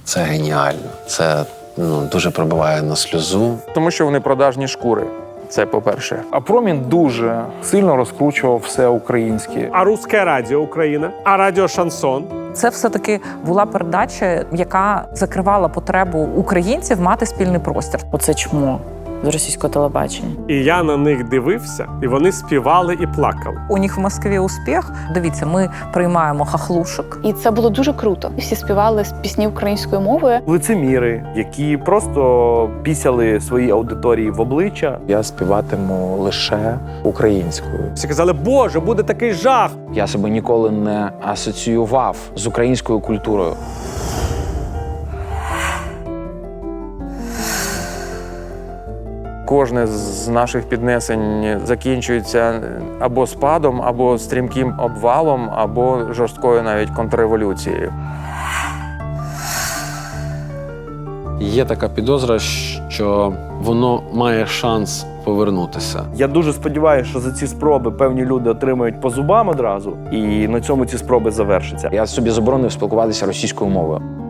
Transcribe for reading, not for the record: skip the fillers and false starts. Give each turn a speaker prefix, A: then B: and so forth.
A: Це геніально. Це дуже пробиває на сльозу.
B: Тому що вони продажні шкури. Це по-перше.
C: А Промінь дуже сильно розкручував все українське.
D: А Руське радіо Україна, а радіо Шансон.
E: Це все-таки була передача, яка закривала потребу українців мати спільний простір.
F: Оце чмо з російського телебачення.
D: І я на них дивився, і вони співали і плакали.
E: У них в Москві успіх. Дивіться, ми приймаємо хахлушок.
G: І це було дуже круто. Всі співали пісні українською мовою.
C: Лицеміри, які просто пісяли своїй аудиторії в обличчя.
H: Я співатиму лише українською.
D: Всі казали, Боже, буде такий жах.
H: Я себе ніколи не асоціював з українською культурою.
B: Кожне з наших піднесень закінчується або спадом, або стрімким обвалом, або жорсткою навіть контрреволюцією.
A: Є така підозра, що воно має шанс повернутися.
C: Я дуже сподіваюся, що за ці спроби певні люди отримають по зубам одразу, і на цьому ці спроби завершаться.
H: Я собі заборонив спілкуватися російською мовою.